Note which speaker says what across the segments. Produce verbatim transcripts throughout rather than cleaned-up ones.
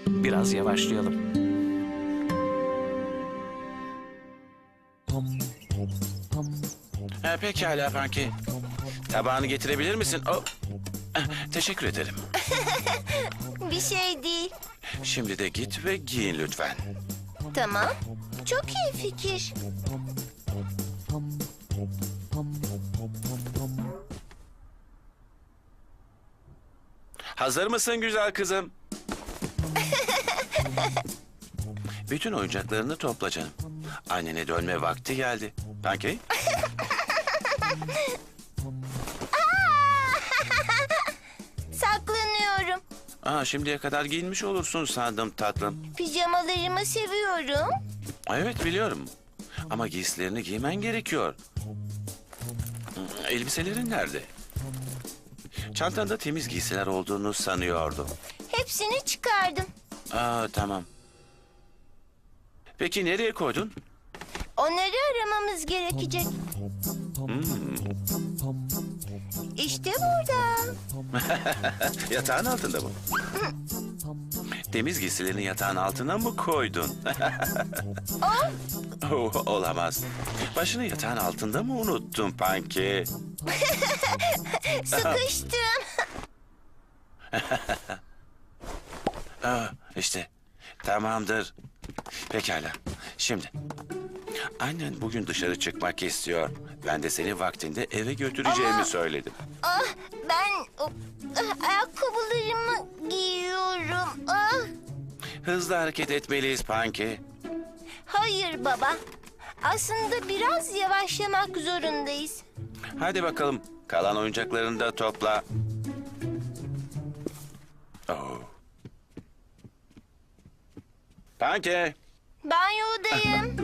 Speaker 1: Biraz yavaşlayalım.
Speaker 2: Ha, pekala Panki. Tabağını getirebilir misin? Oh. Eh, Teşekkür ederim.
Speaker 3: Bir şey değil.
Speaker 2: Şimdi de git ve giyin lütfen.
Speaker 3: Tamam. Çok iyi fikir.
Speaker 2: Hazır mısın güzel kızım? Bütün oyuncaklarını topla canım. Annene dönme vakti geldi. Panki?
Speaker 3: Saklanıyorum.
Speaker 2: Aa, şimdiye kadar giyinmiş olursun sandım tatlım.
Speaker 3: Pijamalarımı seviyorum.
Speaker 2: Evet biliyorum. Ama giysilerini giymen gerekiyor. Elbiselerin nerede? Çantanda temiz giysiler olduğunu sanıyordum.
Speaker 3: Hepsini çıkardım.
Speaker 2: Aa, tamam. Peki nereye koydun?
Speaker 3: Onları aramamız gerekecek. İşte burada.
Speaker 2: Yatağın altında mı? Temiz giysilerini yatağın altına mı koydun?
Speaker 3: Oh,
Speaker 2: Oh, olamaz. Başını yatağın altında mı unuttun Panki?
Speaker 3: sıkıştım.
Speaker 2: Aa, işte tamamdır. Pekala. Şimdi annen bugün dışarı çıkmak istiyor. Ben de seni vaktinde eve götüreceğimi
Speaker 3: Ama-
Speaker 2: söyledim.
Speaker 3: Ah, ben oh, ah, ayakkabılarımı giyiyorum. Ah,
Speaker 2: Hızlı hareket etmeliyiz Panki.
Speaker 3: hayır baba. Aslında biraz yavaşlamak zorundayız.
Speaker 2: Hadi bakalım. Kalan oyuncaklarını da topla. Oh. Panki.
Speaker 3: Banyodayım.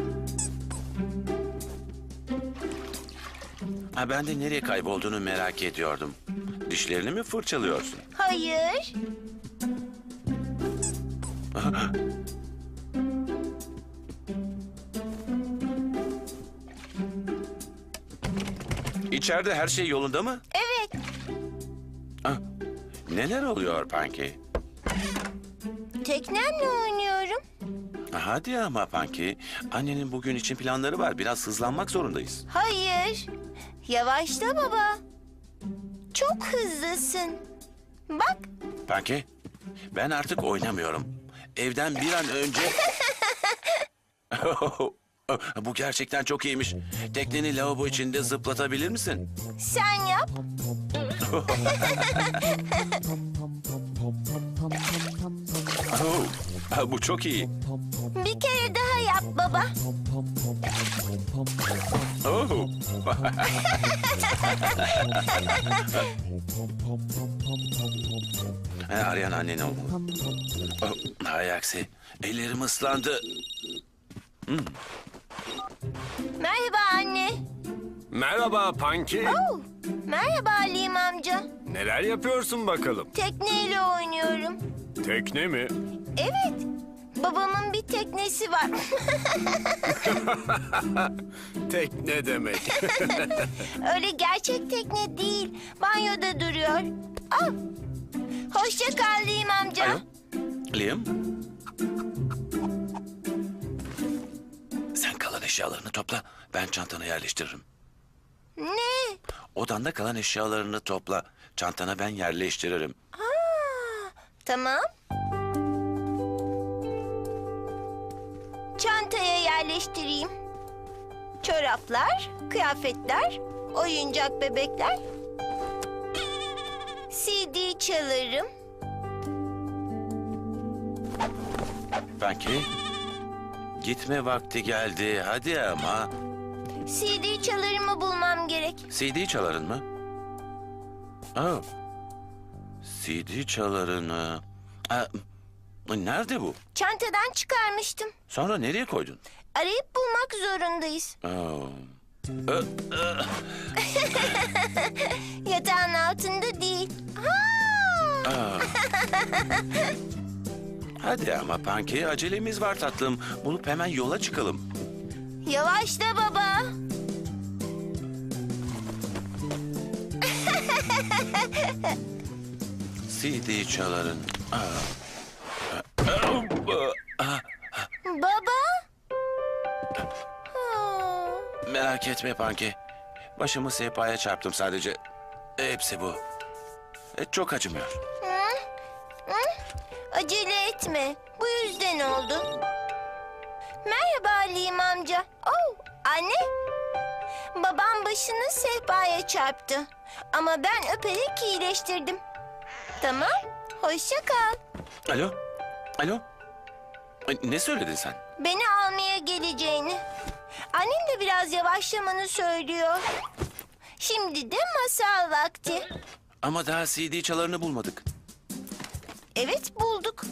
Speaker 2: Ha, ben de nereye kaybolduğunu merak ediyordum. Dişlerini mi fırçalıyorsun?
Speaker 3: Hayır.
Speaker 2: İçeride her şey yolunda mı?
Speaker 3: Evet.
Speaker 2: Ah, neler oluyor Panki?
Speaker 3: Teknemle oynuyorum.
Speaker 2: Hadi ama Panki. Annenin bugün için planları var. Biraz hızlanmak zorundayız.
Speaker 3: Hayır. Yavaşla baba. Çok hızlısın. Bak.
Speaker 2: Panki, ben artık oynamıyorum. Evden bir an önce... Bu gerçekten çok iyiymiş. Tekneni lavabo içinde zıplatabilir misin?
Speaker 3: Sen yap.
Speaker 2: Oh, bu çok iyi.
Speaker 3: Bir kere daha yap baba.
Speaker 2: Oh. Ha, arayan annen olmalı. Oh, hay aksi. Ellerim ıslandı.
Speaker 3: Merhaba anne.
Speaker 4: Merhaba Panki.
Speaker 3: Oh, merhaba Halim amca.
Speaker 4: Neler yapıyorsun bakalım?
Speaker 3: Tekneyle oynuyorum.
Speaker 4: Tekne mi?
Speaker 3: Evet. Babamın bir teknesi var.
Speaker 4: Tekne demek.
Speaker 3: Öyle gerçek tekne değil. Banyoda duruyor. Ah. Hoşça kal Halim amca.
Speaker 2: Alo. Liam. Sen kalan eşyalarını topla. Ben çantana yerleştiririm.
Speaker 3: Ne?
Speaker 2: Odanda kalan eşyalarını topla. Çantana ben yerleştiririm.
Speaker 3: Aa, tamam. Çantaya yerleştireyim. Çoraplar, kıyafetler, oyuncak bebekler. C D çalarım.
Speaker 2: Belki gitme vakti geldi. Hadi ama.
Speaker 3: C D çalarımı bulmam gerek.
Speaker 2: C D çaların mı? Oh. C D çalarını. Aa, nerede bu?
Speaker 3: Çantadan çıkarmıştım.
Speaker 2: Sonra nereye koydun?
Speaker 3: Arayıp bulmak zorundayız.
Speaker 2: Oh. Ö, ö.
Speaker 3: Yatağın altında değil. Ha!
Speaker 2: Aa. Hadi ama Panki, acelemiz var tatlım. Bulup hemen yola çıkalım.
Speaker 3: Yavaşla baba.
Speaker 2: C D çaların. Aa. Aa.
Speaker 3: Baba? Ha.
Speaker 2: Merak etme Panki. Başımı sehpaya çarptım sadece. Hepsi bu. E, çok acımıyor.
Speaker 3: Hı? Hı? Acele etme. Bu yüzden oldu. Merhaba Halim amca. Oh, anne. Babam başını sehpaya çarptı. Ama ben öperek iyileştirdim. Tamam. Hoşça kal.
Speaker 2: Alo? Alo? Ay, ne söyledin sen?
Speaker 3: Beni almaya geleceğini. Annem de biraz yavaşlamanı söylüyor. Şimdi de masal vakti.
Speaker 2: Ama daha C D çalarını bulmadık.
Speaker 3: Evet, bulduk.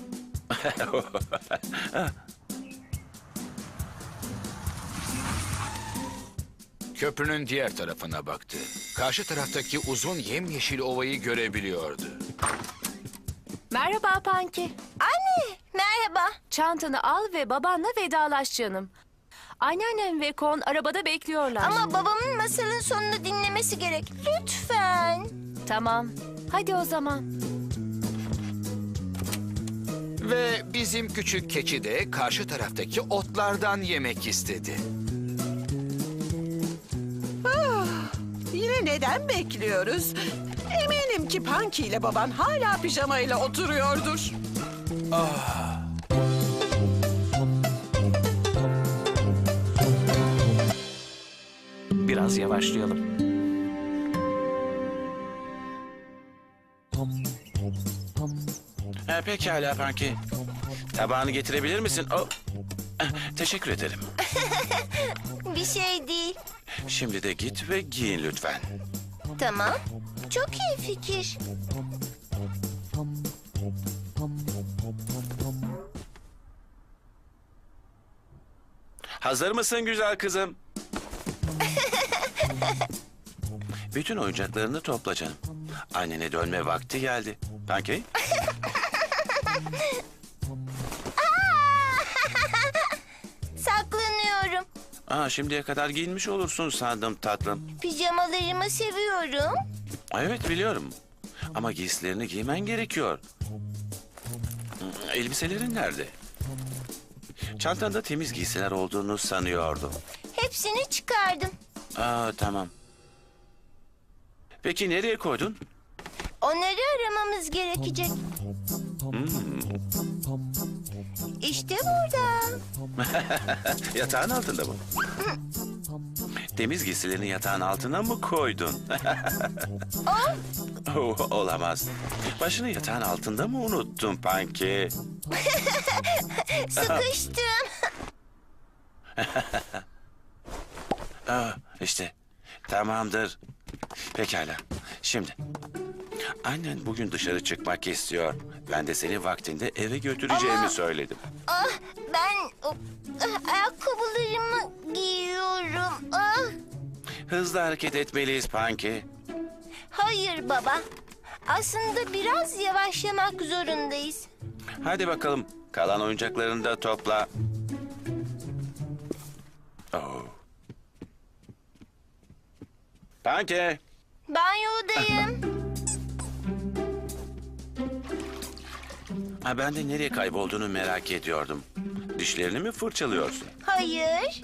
Speaker 1: Köprünün diğer tarafına baktı. Karşı taraftaki uzun yemyeşil ovayı görebiliyordu.
Speaker 5: Merhaba Panki.
Speaker 3: Anne, merhaba.
Speaker 5: Çantanı al ve babanla vedalaş canım. Anneannem ve Kon arabada bekliyorlar.
Speaker 3: Ama babamın masalın sonunu dinlemesi gerek. Lütfen.
Speaker 5: Tamam. Hadi o zaman.
Speaker 1: Ve bizim küçük keçi de karşı taraftaki otlardan yemek istedi.
Speaker 6: Yine neden bekliyoruz? Eminim ki Punky ile baban hala pijamayla oturuyordur.
Speaker 7: Biraz yavaşlayalım.
Speaker 2: Ha, pekala Panki. Tabağını getirebilir misin? Oh. Eh, Teşekkür ederim.
Speaker 3: Bir şey değil.
Speaker 2: Şimdi de git ve giyin lütfen.
Speaker 3: Tamam. Çok iyi fikir.
Speaker 2: Hazır mısın güzel kızım? Bütün oyuncaklarını topla canım. Annene dönme vakti geldi. Panki?
Speaker 3: Saklanıyorum.
Speaker 2: Aa, şimdiye kadar giyinmiş olursun sandım tatlım.
Speaker 3: Pijamalarımı seviyorum.
Speaker 2: Evet biliyorum. Ama giysilerini giymen gerekiyor. Elbiselerin nerede? Çantanda temiz giysiler olduğunu sanıyordum.
Speaker 3: Hepsini çıkardım.
Speaker 2: Aa, tamam. Peki nereye koydun?
Speaker 3: Onları aramamız gerekecek. İşte burada.
Speaker 2: Yatağın altında mı? Temiz giysilerini yatağın altına mı koydun? Oh, olamaz. Başını yatağın altında mı unuttun Panki?
Speaker 3: Sıkıştım.
Speaker 2: Aa, işte tamamdır. Pekala. Şimdi annen bugün dışarı çıkmak istiyor. Ben de seni vaktinde eve götüreceğimi
Speaker 3: Ama-
Speaker 2: söyledim.
Speaker 3: Ah, ben o, ah, ayakkabılarımı giyiyorum. Ah,
Speaker 2: Hızlı hareket etmeliyiz Panki.
Speaker 3: hayır baba. Aslında biraz yavaşlamak zorundayız.
Speaker 2: Hadi bakalım. Kalan oyuncaklarını da topla. Oh. Panki.
Speaker 3: Banyodayım.
Speaker 2: Ha, ben de nereye kaybolduğunu merak ediyordum. Dişlerini mi fırçalıyorsun?
Speaker 3: Hayır.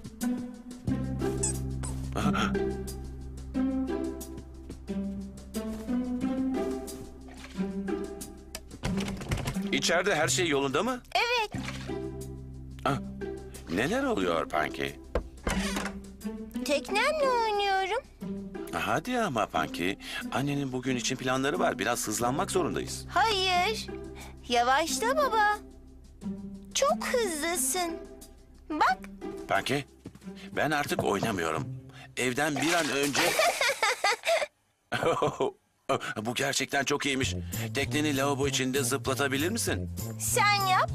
Speaker 2: İçeride her şey yolunda mı?
Speaker 3: Evet.
Speaker 2: Ah, neler oluyor Panki?
Speaker 3: Teknemle oynuyorum.
Speaker 2: Hadi ama Panki. Annenin bugün için planları var. Biraz hızlanmak zorundayız.
Speaker 3: Hayır. Yavaşla baba. Çok hızlısın. Bak.
Speaker 2: Panki, ben artık oynamıyorum. Evden bir an önce... Bu gerçekten çok iyiymiş. Tekneni lavabo içinde zıplatabilir misin?
Speaker 3: Sen yap.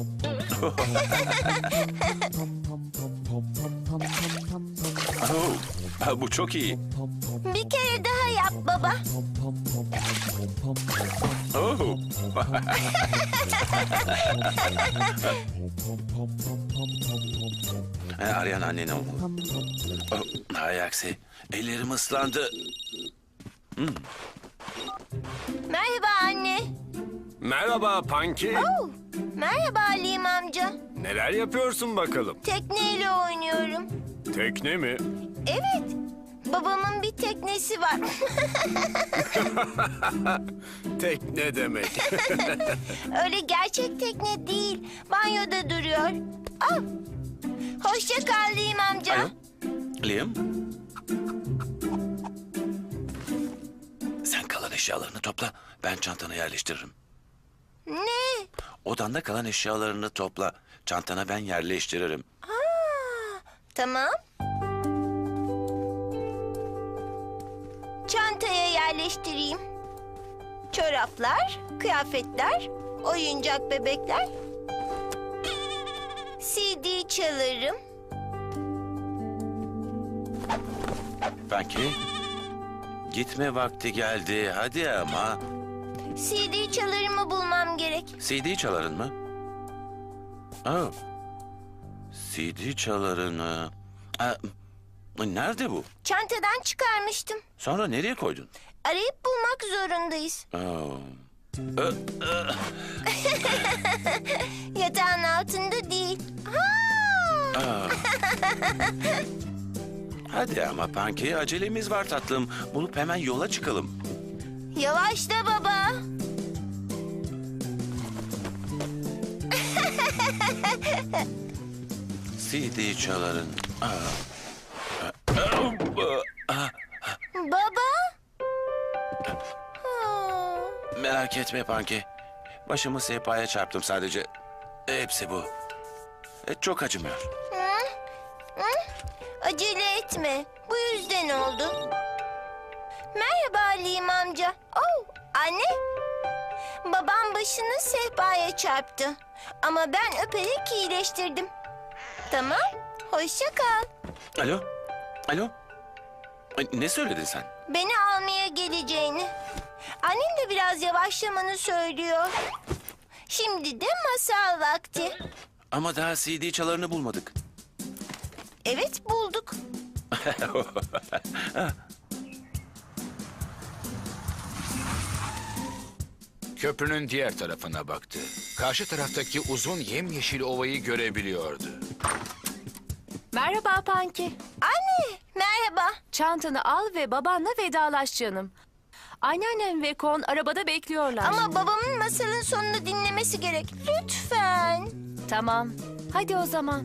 Speaker 2: Oh, bu çok iyi.
Speaker 3: Bir kere daha yap baba.
Speaker 2: Oh. Ha, arayan annen olmalı. Oh, hay aksi. Ellerim ıslandı.
Speaker 3: Merhaba anne.
Speaker 4: Merhaba Punky.
Speaker 3: Oh, Merhaba Halim amca.
Speaker 4: Neler yapıyorsun bakalım?
Speaker 3: Tekneyle oynuyorum.
Speaker 4: Tekne mi?
Speaker 3: Evet. Babamın bir teknesi var.
Speaker 4: Tekne demek.
Speaker 3: Öyle gerçek tekne değil. Banyoda duruyor. Ah. Hoşça kal Halim amca.
Speaker 2: Alo? Liam? Sen kalan eşyalarını topla. Ben çantana yerleştiririm.
Speaker 3: Ne?
Speaker 2: Odanda kalan eşyalarını topla. Çantana ben yerleştiririm.
Speaker 3: Tamam. Çantaya yerleştireyim. Çoraplar, kıyafetler, oyuncak bebekler. C D çalarım.
Speaker 2: Belki gitme vakti geldi. Hadi ama.
Speaker 3: C D çalarımı bulmam gerek.
Speaker 2: C D çaların mı? Aa, C D çalarını. Aa, nerede bu?
Speaker 3: Çantadan çıkarmıştım.
Speaker 2: Sonra nereye koydun?
Speaker 3: Arayıp bulmak zorundayız.
Speaker 2: Aa,
Speaker 3: Yatağın altında değil. Ha!
Speaker 2: aa. Hadi ama Panki, acelemiz var tatlım. Bulup hemen yola çıkalım.
Speaker 3: Yavaşla baba.
Speaker 2: C D çaların. Aa.
Speaker 3: Baba. Ha.
Speaker 2: Merak etme Panki. Başımı sehpaya çarptım sadece. Hepsi bu. E, çok acımıyor.
Speaker 3: Hı? Hı? Acele etme. Bu yüzden oldu. Merhaba Halim amca. Oh, anne. Babam başını sehpaya çarptı. Ama ben öperek iyileştirdim. Tamam. Hoşça kal.
Speaker 2: Alo? Alo? Ay, ne söyledin sen?
Speaker 3: Beni almaya geleceğini. Annem de biraz yavaşlamanı söylüyor. Şimdi de masal vakti.
Speaker 2: Ama daha C D çalarını bulmadık.
Speaker 3: Evet bulduk.
Speaker 1: Köprünün diğer tarafına baktı. Karşı taraftaki uzun yemyeşil ovayı görebiliyordu.
Speaker 5: Merhaba Panki.
Speaker 3: Anne merhaba.
Speaker 5: Çantanı al ve babanla vedalaş canım. Anneannem ve Kon arabada bekliyorlar.
Speaker 3: Ama babamın masalın sonunu dinlemesi gerek. Lütfen.
Speaker 5: Tamam. Hadi o zaman.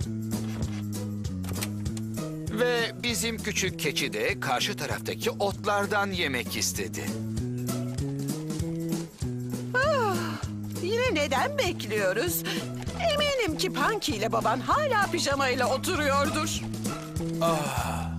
Speaker 1: Ve bizim küçük keçi de karşı taraftaki otlardan yemek istedi.
Speaker 6: Yine neden bekliyoruz? Eminim ki Panki ile baban hala pijamayla oturuyordur.
Speaker 2: Ah,